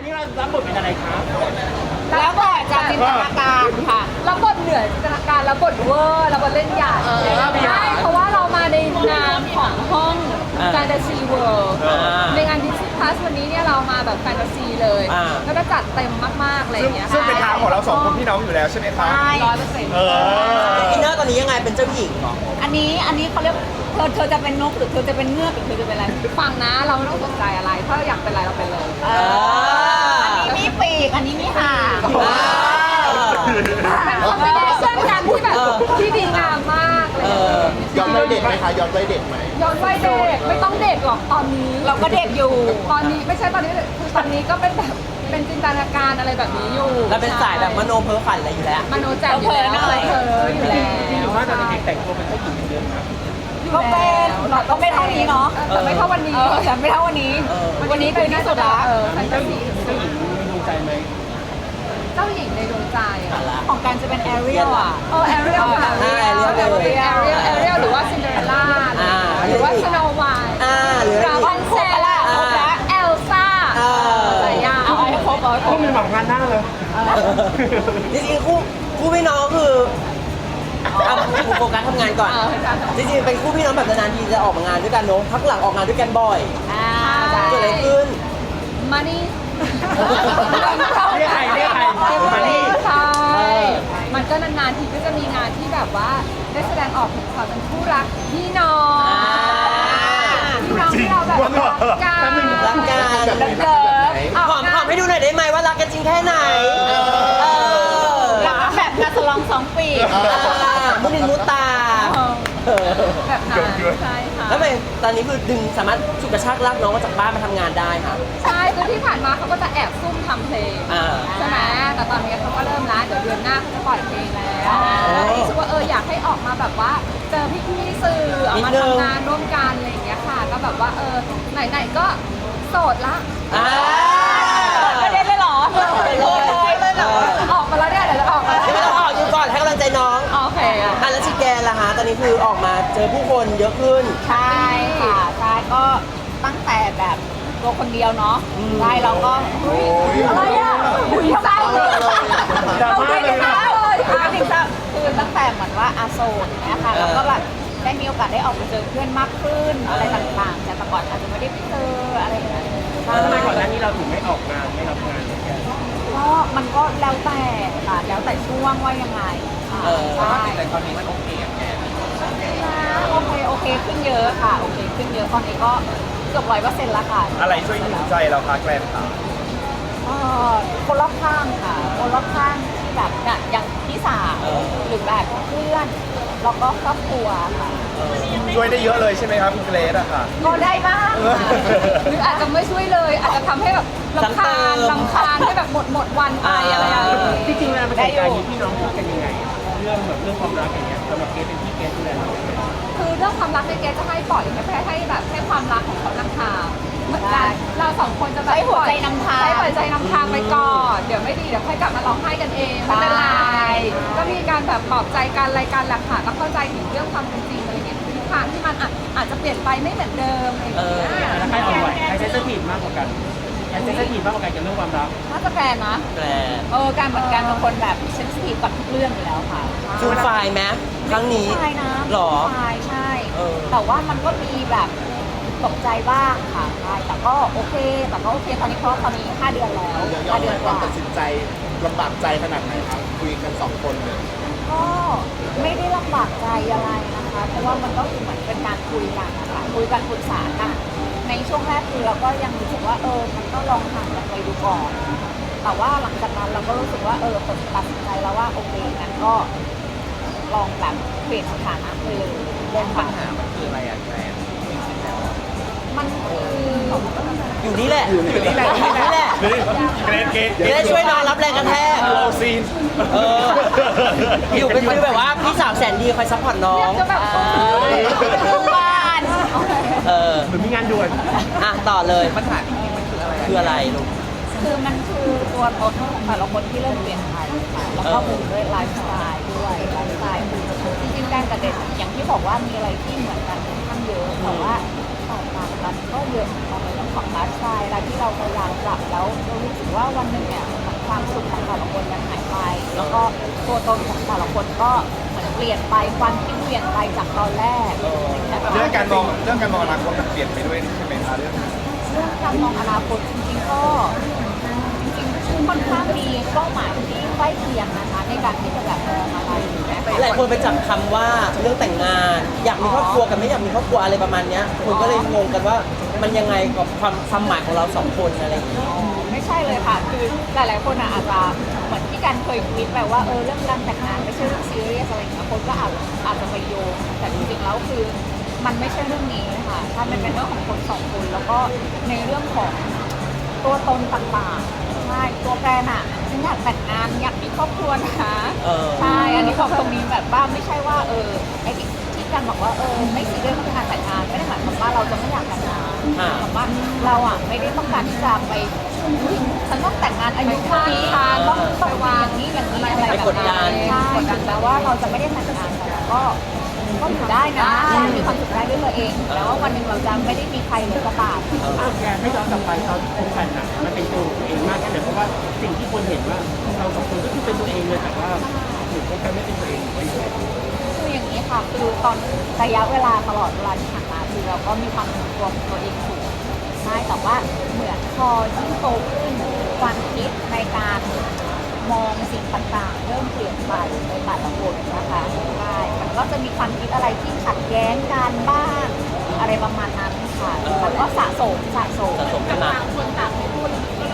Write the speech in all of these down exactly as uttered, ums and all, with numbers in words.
วันนี้เรารับบทเป็นอะไรครับแล้วบทจากจินตนาการค่ะแล้วบทเหนือจินตนาการแล้วบทเวอร์แล้วบทเล่นใหญ่ใช่เพราะว่าเรามาในนามของห้องแฟนตาซีเวิลด์ในงานดิสนีย์พลัสวันนี้เนี่ยเรามาแบบแฟนตาซีเลยแล้วก็จัดเต็มมากๆอะไรอย่างเงี้ยซึ่งเป็นทางของเราสองคนพี่น้องอยู่แล้วใช่ไหมครับใช่ร้อยเปอร์เซ็นต์เอออินเนอร์ตอนนี้ยังไงเป็นเจ้าหญิงเหรออันนี้อันนี้เขาเรียกเธอเธอจะเป็นนกหรือเธอจะเป็นเงือกหรือเธอจะเป็นอะไรฟังนะเราไม่ต้องสนใจอะไรถ้าเราอยากเป็นอะไรเราเป็นเลยอันนี้มีปีกอันนี้มีหางเป็นคอมบิเนชั่นกันที่แบบที่ดีงามมากเลยย้อนวัยเด็กไหมคะย้อนวัยเด็กไหมย้อนวัยเด็กไม่ต้องเด็กหรอกตอนนี้ เราก็เด็กอยู่ตอนนี้ไม่ใช่ตอนนี้คือตอนนี้ก็เป็นแบบเป็นจินตนาการอะไรแบบนี้อยู่เราเป็นสายแบบมโนเพ้อฝันอะไรอยู่แล้วมโนแจ่มอยู่แล้วเพ้ออยู่แล้วจริงๆว่าตอนเด็กแต่งตัวเป็นเจ้าหญิงเยอะครับก็เป็นก็ไม่เท่านี้เนาะแต่ไม่เท่าวันนี้แต่ไม่เท่าวันนี้วันนี้คือที่สุดละแฟนตาซีเจ้าหญิงมีดวงใจไหมเจ้าหญิงในดวงใจของการจะเป็นแอเรียลอ่ะเออแอเรียลค่ะอ่า Ariel แอเรียลแอเรียลหรือว่าซินเดอเรลล่าอ่าหรือว่าสโนว์ไวท์อ่าหรือดราก้อนเซลล่าและเอลซ่าเออหลายอย่างเอาให้ครบเอาให้ครพวบกมันหวังงานหน้าเลยจริงๆคู่คู่พี่น้องคือเอาผมโฟกัสทำงานก่อน จริงๆเป็นคู่พี่น้องแบบนานๆทีจะออกมางานด้วยกันเนอะพักหลังออกงานด้วยกันบ่อยอ่าเกิดอะไรขึ้นมานี่เรียกใครเรียกใครมานี่ใช่ มันก็นานๆทีก็จะมีงานที่แบบว่าได้แสดงออกถึงความเป็นคู่รักพี่น้องพี่น้องที่เราแบบรักกันรักกันรักเลิฟหอมหอมให้ดูหน่อยได้ไหมว่ารักกันจริงแค่ไหนเออรักแบบกระสลองสองปีมุนินมุตาแบบนั้นใช่ค่ะแล้วทำไมตอนนี้คือดึงสามารถฉุดกระชากลากน้องมาจากบ้านมาทำงานได้ค่ะใช่คือที่ผ่านมาเขาก็จะแอบซุ่มทำเพลงอ่าใช่ไหมแต่ตอนนี้เขาก็เริ่มแล้วเดี๋ยวเดือนหน้าเขาจะปล่อยเพลงแล้วแล้วรู้สึกว่าเอออยากให้ออกมาแบบว่าเจอพี่ๆสื่อออกมาทำงานร่วมกันอะไรอย่างเงี้ยค่ะ ก็แบบว่าเออไหนๆก็โสดละอ่าไม่ได้เลยเหรอเลยเลยเหรอออกมาแล้วเนี่ยเดี๋ยวจะออกมายังไม่ต้องออกอยู่ก่อนให้กำลังใจน้องโอเคอ่ะแล้วชิแกนล่ะฮะตอนนี้คือออกมาเจอผู้คนเยอะขึ้นใช่ค่ะใช่ก็ตั้งแต่แบบตัวคนเดียวเนาะใช่เราก็อะไรอ่ะหุ่นเศร้าเลยดราม่าเลยนะคือจริงๆคือตั้งแต่เหมือนว่าอาโซนเนี่ยค่ะแล้วก็แบบได้มีโอกาสได้ออกไปเจอเพื่อนมากขึ้นอะไรต่างๆแต่แต่ก่อนอาจจะไม่ได้ไปเจออะไรอย่างเงี้ยทำไมก่อนหน้านี้เราถึงไม่ออกงานไม่รับงานเลยแกก็มันก็แล้วแต่ค่ะแล้วแต่ช่วงว่ายังไงค่ะเออใช่แต่ตอนนี้มันโอเคอะแกโอเคโอเคขึ้นเยอะค่ะโอเคขึ้นเยอะตอนนี้ก็เกือบร้อยเปอร์เซ็นต์ละค่ะอะไรช่วยหิวใจเราคะแกรนค่ะเอ่อคนรอบข้างค่ะ คนรอบข้างที่แบบเนี่ยอย่างพี่สาวหรือแบบเพื่อนแล้วก็ครอบครัวค่ะช่วยได้เยอะเลยใช่ไหมครับคุณเกรซอะค่ะก็ได้บ้างหรืออาจจะไม่ช่วยเลย อาจจะทำให้แบบลำคาญลำคาญให้แบบหมดหมดวันไปอะไรอย่างเงี้ยจริงๆเวลาเป็นการนี้พี่น้องพูดกันยังไงอะเรื่องแบบเรื่องความรักอย่างเงี้ยสำหรับเกสเป็นพี่เกสดูแลเรายังไงคือเรื่องความรักในยเกจะให้ปล่อยให้ให้ให้แบบให้ความรักของเขานำทางเหมือนกันเราสองคนจะแบบใช้หัวใจนำทางใช้หัวใจนำทางไปก่อนเดี๋ยวไม่ดีเดี๋ยวค่อยกลับมาร้องไห้กันเองไม่เป็นไรใช่ก็มีการแบบปลอบใจกันอะไรกันแหละค่ะก็เข้าใจถึงเรื่องความเป็นจริงอะไรเงี้ยทิศทางที่มันอาจอาจจะเปลี่ยนไปไม่เหมือนเดิมอะไรอย่างเงี้ยแล้วใครอ่อนไหวใครเซนซิทีฟมากกว่ากันใครเซนซิทีฟมากกว่ากันกับเรื่องความรักน่าจะแกรนนะแกรนเออการเหมือนกันบางคนแบบเซนซิทีฟกับทุกเรื่องอยู่แล้วค่ะฟูลไฟล์ไหมครั้งนี้ใช่นะหรอใช่ใช่เออแต่ว่ามันก็มีแบบตกใจบ้างค่ะใช่แต่ก็โอเค แต่ก็โอเค ตอนนี้เพราะตอนนี้ห้าเดือนแล้วห้าเดือนกว่าลำบากใจขนาดไหนครับคุยกันสองคนเลยก็ไม่ได้ลำบากใจอะไรนะคะ เพราะว่ามันก็คือเหมือนเป็นการคุยกันนะคะคุยกันปรึกษากันในช่วงแรกคือเราก็ยังรู้สึกว่าเออมันก็ลองห่างกันไปดูก่อน แต่ว่าหลังจากนั้นเราก็รู้สึกว่าเออผมตัดสินใจแล้วว่าโอเคงั้นก็ลองแบบเปลี่ยนสถานะไปเลยเรื่องปัญหามันคืออะไรอะแกรนมันคืออยู่นี่แหละอยู่นี่แหละอยู่นี่แหละเกรซเกรซจะได้ช่วยน้องรับแรงกระแทกโอซีนเออ อยู่เป็นฟีลแบบว่าพี่สาวแสนดีคอยซัพพอร์ตน้องจะแบบบ้านเออเหมือนมีงานด่วนอ่ะต่อเลยปัญหาที่มันคืออะไรคืออะไรลูกคือมันคือตัวตนของแต่ละคนที่เริ่มเปลี่ยนไปค่ะแล้วก็บวกด้วยไลฟ์สไตล์ด้วยไลฟ์สไตล์คือจริงๆการกับเด็กอย่างที่บอกว่ามีอะไรที่เหมือนกันค่อนข้างเยอะแต่ว่าแตกต่างกันก็เยอะเหมือนกันเลยของไลฟ์สไตล์อะไรที่เราพยายามปรับแล้วเรารู้สึกว่าวันหนึ่งเนี่ยความสุขของแต่ละคนมันหายไป แล้วก็ตัวตนของแต่ละคนก็เหมือนเปลี่ยนไปความคิดเปลี่ยนไปจากตอนแรกเรื่องการมองเรื่องการมองอนาคตมันเปลี่ยนไปด้วยใช่ไหมคะเรื่องเรื่องการมองอนาคตจริงๆก็จริงๆค่อนข้างมีเป้าหมายที่ใกล้เคียงนะคะในการที่จะแบบมองอะไรอย่างเงี้ยหลายคนไปจับคำว่าเรื่องแต่งงาน อยากมีครอบครัวกับไม่อยากมีครอบครัวอะไรประมาณเนี้ยคนก็เลยงงกันว่ามันยังไงกับความความหมายของเราสองคนอะไรอย่างเงี้ยไม่ใช่เลยค่ะ คือหลายๆคนอะอาจจะเหมือนที่การเคยคิดแบบว่าเออเรื่องการแต่งงานไม่ใช่เรื่องซีเรียสอะไรอย่างเงี้ยคนก็อาจอาจจะไปโยงแต่จริงๆแล้วคือมันไม่ใช่เรื่องนี้ค่ะถ้ามันเป็นเรื่องของคนสองคนแล้วก็ในเรื่องของตัวตนต่างๆใช่ตัวแกรนอะฉันอยากแต่งงานอยากมีครอบครัวนะเออใช่อันนี้บอกตรงนี้แบบว่าไม่ใช่ว่าเออไอ้ที่ที่การบอกว่าเออไม่ซีเรียสเรื่องการแต่งงานไม่ได้หมายความว่าเราจะไม่อยากแต่งงานอ่าหมายความว่าเราอ่ะไม่ได้ต้องการที่จะไปอุ๊ยฉันต้องแต่งงานอายุเท่านี้ต้องต้องวางนี้อย่างนี้อะไรแบบไปกดดันั้นนใช่ถึงแม้ว่าเราจะไม่ได้แต่งงานแต่เราก็ก็อยู่ได้นะมีความสุขได้ด้วยตัวเองแล้วว่าวันหนึ่งเราจะไม่ได้มีใครเลยก็ตามแกให้ย้อนกลับไปตอนที่คบกันอ่ะมันเป็นตัวเองมากแค่ไหนเพราะว่าสิ่งที่คนเห็นว่าเราสองคนก็คือเป็นตัวเองเลยแต่ว่าหนูคบกันไม่เป็นตัวเองไม่ใช่คืออย่างนี้ค่ะคือตอนระยะเวลาตลอดเวลาที่ผ่านมาคือเราก็มีความเป็นตัวของตัวเองสูงใช่แต่ว่าเหมือนพอยิ่งโตขึ้นความคิดในการมองสิ่งต่างๆ เริ่มเปลี่ยนไปในแต่ละคนนะคะใช่มันก็จะมีความคิดอะไรที่ขัดแย้งกันบ้างอะไรประมาณนั้นค่ะมันก็สะสมสะสมสะสมขึ้นมาคนต่างไม่พูด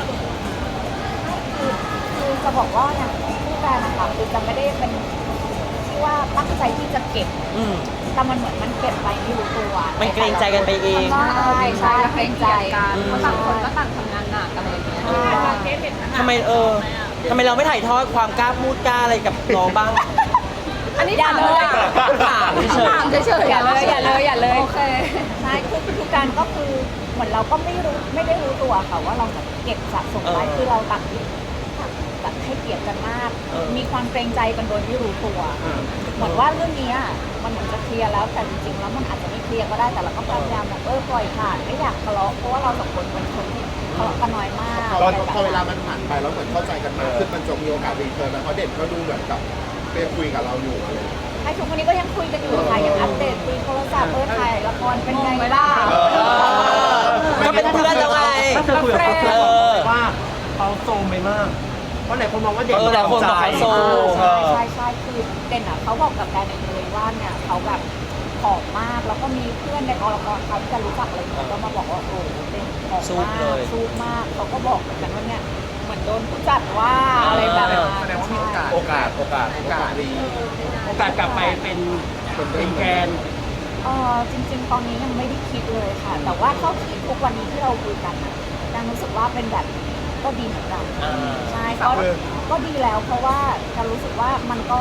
คือคือจะบอกว่าอย่างผู้แฟนนะคะคือจะไม่ได้เป็นที่ว่าตั้งใจที่จะเก็บอืมแต่มันเหมือนมันเก็บไปไม่รู้ตัวมันเกรงใจกันไปเองใช่ใช่เกรงใจกันอืมเพราะต่างคนก็ต่างทำงานหนักอะไรอย่างเงี้ยทำไมเออทำไมเราไม่ถ่ายทอดความกล้าพูดกล้าอะไรกับน้องบ้างอันนี้อย่าถามเลเลย ยถามเฉยถามเฉยๆอย่าเลยอย่าเลยอย่าเลยโอเคใช่คือคือการก็คือเหมือนเราก็ไม่รู้ไม่ได้รู้ตัวค่ะว่าเราแบบเก็บสะสมไว้คือเราต่างแบบให้เกียรติกันมาก มีความเกรงใจกันโดยไม่รู้ตัว เหมือนว่าเรื่องนี้อะมันเหมือนจะเคลียร์แล้วแต่จริงๆแล้วมันอาจจะไม่เคลียร์ก็ได้แต่เราก็พยายามแบบเออปล่อยผ่านไม่อยากทะเลาะเพราะว่าเราสองคนเป็นคนที่ทะเลาะกันน้อยมากตอนพอเวลามันผ่านไปแล้วเหมือนเข้าใจกันมากขึ้นมันจะมีโอกาสรีเทิร์นแล้วเพราะเด่นก็ดูเหมือนกับเป็นคุยกับเราอยู่อะไรอย่างเงี้ยไอ้ทุกวันนี้ก็ยังคุยกันอยู่ค่ะยังอัปเดตคุยโทรศัพท์เออถ่ายละครเป็นไงบ้างๆก็เป็นเพื่อนแล้วไงถ้าเธอคุยกับเขาเออว่าเขาโซมไปมากเพราะหลายคนมองว่าเด็กเออหลายคนบอกเขาโซมใช่ใช่ใช่คือเด่นอ่ะเขาบอกกับแดนเลยว่าเนี่ยเขาแบบผอมมากแล้วก็มีเพื่อนในกองละครเขาที่จะรู้จักอะไรอย่างเงี้ยก็มาบอกว่าโอ้โหเด่นผอมสู้มากเลยสู้มากเขาก็บอกเหมือนกันว่าเนี่ยเหมือนโดนผู้จัดว่าอะไรแบบนั้นแสดงว่ามีโอกาส โอกาส โอกาส โอกาสดีโอกาสกลับไปเป็นเป็นแกนเออจริง ๆ ตอนนี้ยังไม่ได้คิดเลยค่ะ แต่ว่าเท่าที่ทุกวันนี้ที่เราคุยกันนะยังรู้สึกว่าเป็นแบบนี้ก็ดีเหมือนกันอ่าใช่ก็ก็ดีแล้วเพราะว่าจะรู้สึกว่ามันก็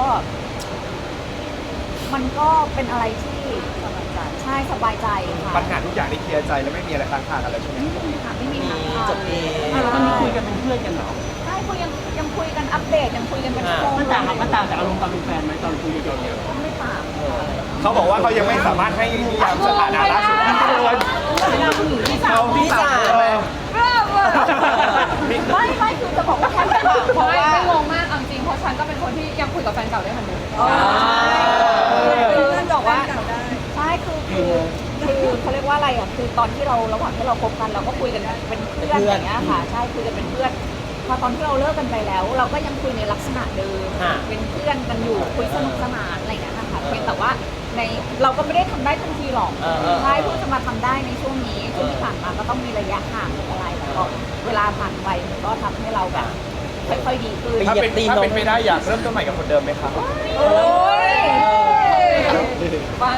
มันก็เป็นอะไรที่ใช่สบายใจค่ะปัญหาทุกอย่างที่เคลียร์ใจแล้วไม่มีอะไรค้างคากันแล้วใช่ไหมไม่มีค่ะไม่มีมีค่ะจบเองอ่ะแล้วมันมีคุยกันเป็นเพื่อนกันเหรอใช่คุยยังยังคุยกันอัปเดตยังคุยกันเป็นชั่วโมงมันต่างกับมันต่างจากอารมณ์ตอนเป็นแฟนไหมตอนคุยกันเนี่ยไม่ต่างเขาบอกว่าเขายังไม่สามารถให้นิยามสถานะล่าสุดได้เลยเขาพี่จ๋าไม่ไม่คือจะบอกว่าแค่ไม่ต่างเพราะไม่ว่าไม่งงมากเอาจริงเพราะฉันก็เป็นคนที่ยังคุยกับแฟนเก่าได้เหมือนเดิมคือบอกว่าใช่คือคือคือเขาเรียกว่าอะไรอ่ะคือตอนที่เราระหว่างที่เราคบกันเราก็คุยกันเป็นเพื่อนอย่างเงี้ยค่ะใช่คุยกันเป็นเพื่อนพอตอนที่เราเลิกกันไปแล้ว เราก็ยังคุยในลักษณะเดิมเป็นเพื่อนกันอยู่คุยสนุกสนานอะไรอย่างเงี้ยนะคะเพียงแต่ว่าในเราก็ไม่ได้ทำได้ทันทีหรอกใช่เพิ่งจะมาทำได้ในช่วงนี้ช่วงที่ผ่านมาก็ต้องมีระยะห่างหรืออะไรแต่ก็เวลาผ่านไปมันก็ทำให้เราแบบค่อยๆดีขึ้นถ้าเป็นถ้าเป็นไปได้อยากเริ่มต้นใหม่กับคนเดิมไหมครับโอ้ยบ้าน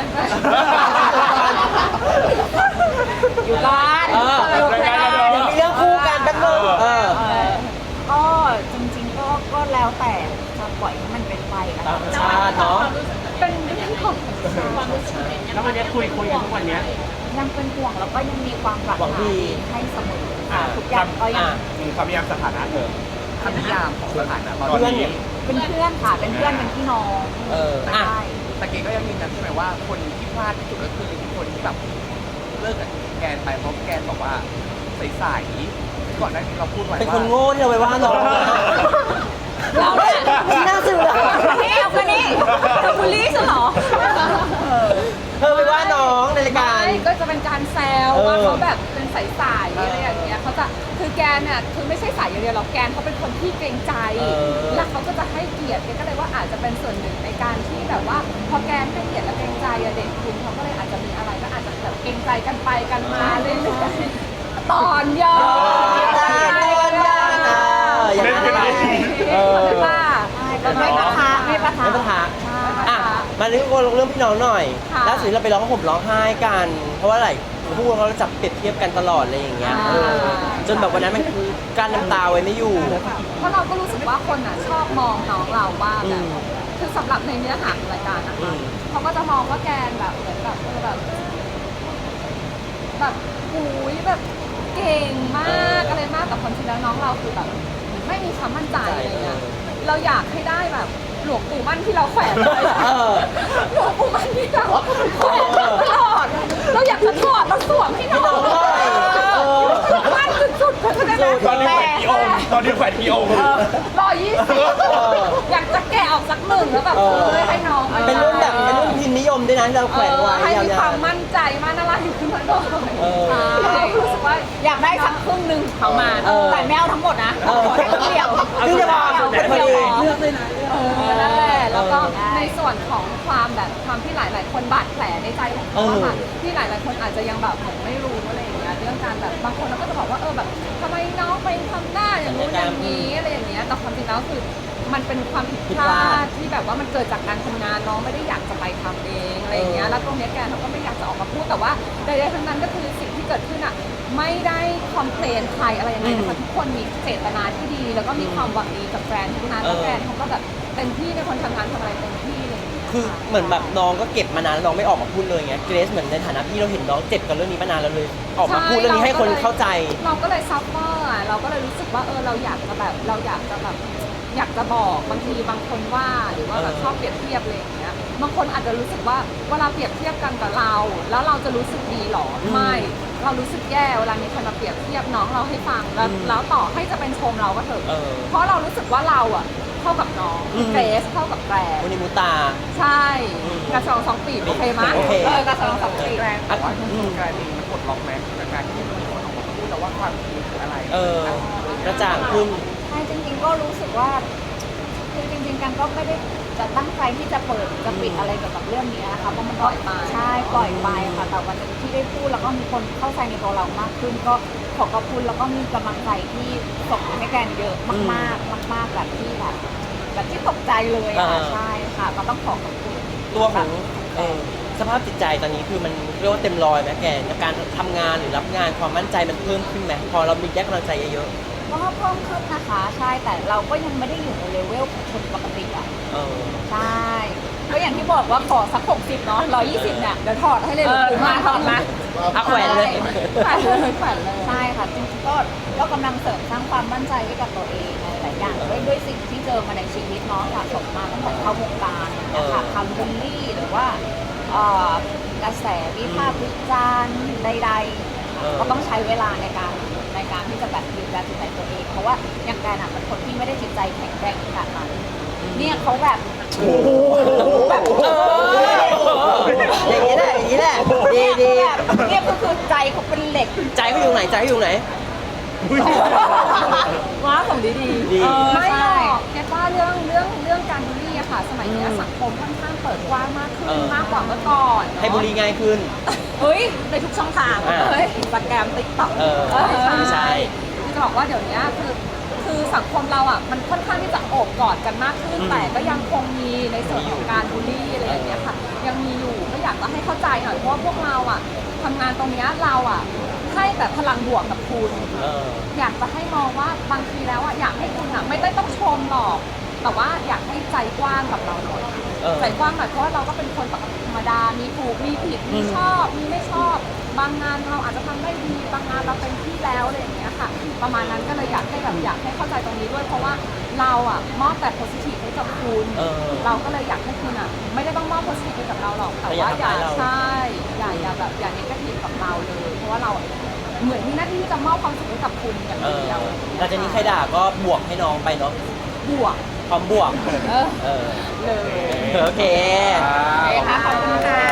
อยู่ก่อนเอออยู่ก่อนเดี๋ยวมีเรื่องคู่กันแป๊บนึงเออเออก็จริงๆก็ก็แล้วแต่จะปล่อยให้มันเป็นไปนะตามธรรมชาติเนาะเป็นเรื่องของความรู้สึกแล้ววันนี้คุยคุยกันทุกวันเนี้ยยังเป็นห่วงแล้วก็ยังมีความปรารถหวังนาดีดีให้เสมอค่ะทุกอย่างก็ยังอ่ะคำนิยามสถานะเธอคำนิยามของสถานะตอนเพื่อนนี้เนี่ยเป็นเพื่อนค่ะเป็นเพื่อนเป็นพี่น้องเอออ่ะใช่แต่เก๋ก็ยังยืนยันใช่ไหมว่าคนที่พลาดที่สุดก็คือคนที่แบบเลิกกับแกนไปเพราะแกนบอกว่าใสๆก่อนหน้านี้เราพูดไว้ว่าเป็นคนโง่ที่เราไปว่าน้องเราเนี่ยที่น่าสื่ออะนี่เอาคนนี้เธอบูลลี่ฉันเหรอเธอไปว่าน้องในรายการไม่ก็จะเป็นการแซวเออว่าเขาแบบเป็นใสๆอะไรอย่างเงี้ยเขาจะคือแกนเนี่ยคือไม่ใช่ใสอย่างเดียวหรอกแกนเขาเป็นคนที่เกรงใจ แล้วเขาก็จะให้เกียรติแกก็เลยว่าอาจจะเป็นส่วนหนึ่งในการที่แบบว่าพอแกนให้เกียรติและเกรงใจอะเด็กคุณเขาก็เลยอาจจะมีอะไรก็อาจจะแบบเกรงใจกันไปกันมาเรื่อยๆตอนยอตอนยอเล่นกันเองเออค่ะไม่ปะทะไม่ปะทะไม่ปัญหาอ่ะมาเรื่องเรื่องพี่น้องหน่อยค่ะล่าสุดเราไปร้องห่มร้องไห้กัน เพราะว่าอะไรพวกเราจับเปรียบเทียบกันตลอดอะไรอย่างเงี้ยเออจนแบบวันนั้นมันคือการน้ำตาไว้ไม่อยู่เพราะเราก็รู้สึกว่าคนอ่ะชอบมองน้องเราว่าแบบอืมคือสำหรับในเนื้อหาของรายการนะอืคะมเขาก็จะมองว่าแกนแบบเหมือนแบบเออแบบแบบหูยแบบเก่งมากอะไรมากแต่ความจริงแล้วน้องเราคือแบบไม่มีความมั่นใจอะไรเงี้ยเราอยากให้ได้แบบหลวงปู่มั่นที่เราแขวนไว้เออหลวงปู่มั่นที่เราแขวนตลอดเราอยากจะถอดมาสวมให้น้องให้น้องหน่อยเออมั่นสุดๆเข้าใจไหมตอนนี้แขวนกี่องค์ตอนนี้แขวนกี่องค์ร้อยยี่สิบอยากจะแกะออกสักหนึ่งแล้วแบบเอเอออให้น้องเป็นรุ่นแบบเป็นรุ่นพิมพ์นิยมด้วยนะที่เราแขวนไว้ให้ยามีความวมั่นใจมั่นอะไรขึ้นมาหน่อยเออใช่รู้สึกว่าอยากได้สักครึ่งหนึ่งเอามาเออแต่ไม่เอาทั้งหมดนะเออขอแค่ครึ่งเดียวๆคือจะพอเป็นพอดีเลือกเลยนะเออนั่นแหละแล้วก็เออในส่วนของความแบบความที่หลาย ๆ คนบาดแผลในใจของเขาอะค่ะที่หลาย ๆ คนอาจจะยังแบบเหมือนไม่รู้อะไรอย่างเงี้ยเรื่องการแบบบางคนเราก็จะบอกว่าเออแบบทำไมน้องไปทำหน้าอย่างนู้นอย่างนี้อะไรอย่างเงี้ยแต่ความจริงแล้วคือมันเป็นความผิดพลาดที่แบบว่ามันเกิดจากการทำงานน้องไม่ได้อยากจะไปทำเองอะไรอย่างเงี้ยแล้วตรงเนี้ยแกเขาก็ไม่อยากจะออกมาพูดแต่ว่าใดๆทั้งนั้นก็คือสิ่งที่เกิดขึ้นอ่ะไม่ได้คอมเพลนใครอะไรยังไงนะคะทุกคนมีเจตนาที่ดีแล้วก็มีความหวังดีกับแฟนทุกนั้นแล้วแฟนเขาก็แบบเต็มที่ในคนทำงานทำอะไรเต็มที่เลยคือเหมือนแบบน้องก็เก็บมานานแล้วน้องไม่ออกมาพูดเลยไงเกรซเหมือนในฐานะพี่เราเห็นน้องเจ็บกับเรื่องนี้มานานแล้วเลย ออกมาพูดเรื่องนี้ให้คนเข้าใจเราก็เลยซัฟเฟอร์อ่ะเราก็เลยรู้สึกว่าเออเราอยากจะแบบเราอยากจะแบบอยากจะบอกบางทีบางคนว่าหรือว่าแบบชอบเปรียบเทียบอะไรอย่างเงี้ยบางคนอาจจะรู้สึกว่าเวลาเปรียบเทียบกันกับเรา แล้วเราจะรู้สึกดีหรอไม่เรารู้สึกแย่เวลามีคนมาเปรียบเทียบน้องเราให้ฟังแล้วแล้วต่อให้จะเป็นชมเราก็เถอะเออเพราะเรารู้สึกว่าเราอ่ะเท่ากับน้องอืมเกรซเท่ากับแกรนวันนี้มูตาใช่อืมกระชองสองปีบโอเคไหมโอเคเออกระชองสองปีบแรงแต่ว่าคุณกลายเป็นกดล็อกแม็กจากการที่มีคนออกมาพูดแล้วว่าความจริงคืออะไรเออกระจ่างขึ้นใช่จริงๆก็รู้สึกว่าคือจริงๆกันก็ไม่ได้จะตั้งใจที่จะเปิดจะปิดอะไรเกี่ยวกับเรื่องนี้นะคะเพราะมันก็ใช่ปล่อยไปค่ะแต่วันหนึงที่ได้พูดแล้วก็มีคนเข้าใจในตัวเรามากขึ้น ก็ขอบคุณแล้วก็มีกำลังใจที่ส่งให้แกนเยอะมากๆมากๆแบบที่แบบแบบที่ตกใจเลยอะอ่าใช่ค่ะก็ต้องขอขอบคุณตัวของเออสภาพจิตใจตอนนี้คือมันเรียกว่าเต็มร้อยไหมแกในการทำงานหรือรับงานความมั่นใจมันเพิ่มขึ้นไหมพอเรามีแยกกำลังใจเยอะก็เพิ่มขึ้นนะคะใช่แต่เราก็ยังไม่ได้อยู่ในเลเวลของคนปกติอ่ะๆเออใช่ก็อย่างที่บอกว่าขอสักหกสิบเนาะร้อยยี่สิบเนี่ยเดี๋ยวถอดให้เลยเออหรือมาถอดมาเอาแขวนเลยแขวนเลยแขวนเลยใช่ค่ะจริงๆก็ก็กำลังเสริมสร้างความมั่นใจให้กับตัวเองในหลายอย่างด้วยด้วยสิ่งที่เจอมาในชีวิตเนาะสะสมมาตั้งแต่เข้าวงการนะคะคำบูลลี่หรือว่าเอ่อกระแสวิพากษ์วิจารณ์ใดเออๆ ก็ต้องใช้เวลาในการในการที่จะแบบดูแลจิตใจตัวเอง เพราะว่าอย่างแกนอะเป็นคนที่ไม่ได้จิตใจแข็งแกร่งขนาดนั้นเนี่ยเขาแบบแบบเอออย่างนี้แหละอย่างนี้แหละดีดีแบบเนี่ยก็คือใจเขาเป็นเหล็กใจเขาอยู่ไหนใจเขาอยู่ไหนว้าของดีดีดีไม่หรอกแค่ว่าเรื่องเรื่องเรื่องการบูลลี่อะค่ะ สมัยนี้สังคมค่อนข้างเปิดกว้างมากขึ้นเออมากกว่าเมื่อก่อนเนอะให้บุรีง่ายขึ้นเฮ้ยในทุกช่องทางอ่าเฮ้ยอินสตาแกรมติ๊กต็อกเออใช่คือจะบอกว่าเดี๋ยวนี้คือคือสังคมเราอ่ะมันค่อนข้างที่จะโอบกอดกันมากขึ้นอืมแต่ก็ยังคงมีในส่วนของการบูลลี่อะไรอย่างเงี้ยค่ะ ยังมีอยู่ก็อยากจะให้เข้าใจหน่อยเพราะว่าพวกเราอ่ะทำงานตรงเนี้ยเราอ่ะให้แบบพลังบวกกับคุณเอออยากจะให้มองว่าบางทีแล้วอ่ะอยากให้คุณอ่ะไม่ได้ต้องชมหรอก แต่ว่าอยากให้ใจกว้างกับเราหน่อยเออใจกว้างหน่อยเพราะว่าเราก็เป็นคนปกติธรรมดา มีถูกมีผิดมีอืมชอบมีไม่ชอบ บางงานเราอาจจะทำได้ดีบางงานเราเป็นที่แล้วอะไรอย่างเงี้ยค่ะ ประมาณนั้นก็เลยอยากให้แบบอยากให้เข้าใจตรงนี้ด้วย เพราะว่าเราอ่ะมอบแต่ positive ให้กับคุณเออเราก็เลยอยากให้คุณอ่ะไม่ได้ต้องมอบ positive ให้กับเราหรอกแต่ว่าอย่าแต่อย่าทำร้ายเราใช่อย่าอย่าแบบอย่า negative กับเราเลย เพราะว่าเราเหมือนมีหน้าที่จะมอบความสุขให้กับคุณอย่างเออเดียวหลังจากนี้ใครด่าก็บวกให้น้องไปเนาะบวกพร้อมบวกเออเออเลยโอเคโอเคค่ะขอบคุณค่ะ